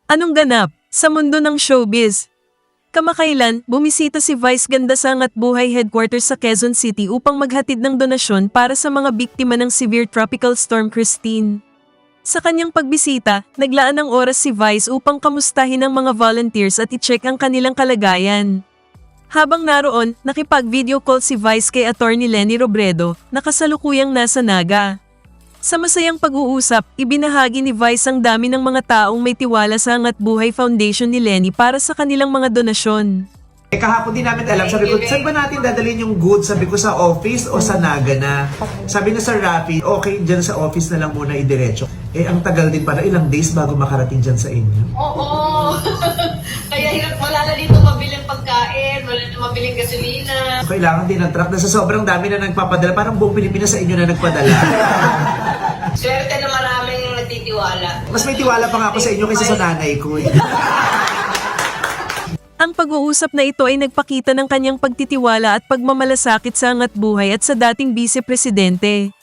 Anong ganap sa mundo ng showbiz? Kamakailan, bumisita si Vice Ganda sa Angat Buhay Headquarters sa Quezon City upang maghatid ng donasyon para sa mga biktima ng severe tropical storm Christine. Sa kanyang pagbisita, naglaan ng oras si Vice upang kamustahin ang mga volunteers at i-check ang kanilang kalagayan. Habang naroon, nakipag-video call si Vice kay Attorney Lenny Robredo, na kasalukuyang nasa Naga. Sa masayang pag-uusap, ibinahagi ni Vice ang dami ng mga taong may tiwala sa Angat Buhay Foundation ni Lenny para sa kanilang mga donasyon. Kahapon din namin alam, sabi ko, saan ba natin dadalhin yung goods? Sabi ko sa office o sa Naga na? Sabi na sa Rappi, okay, dyan sa office na lang muna idiretso. Ang tagal din para ilang days bago makarating dyan sa inyo. Oo. Kaya hirap, wala na dito mabiling pagkain, wala na mabiling gasolina. Kailangan din ng truck na sa sobrang dami na nagpapadala. Parang buong Pilipinas sa inyo na nagpadala. Swerte na maraming nagtitiwala. Mas may tiwala pa nga ako sa inyo kaysa sa nanay ko. Ang pag-uusap na ito ay nagpakita ng kanyang pagtitiwala at pagmamalasakit sa Angat Buhay at sa dating Vice Presidente.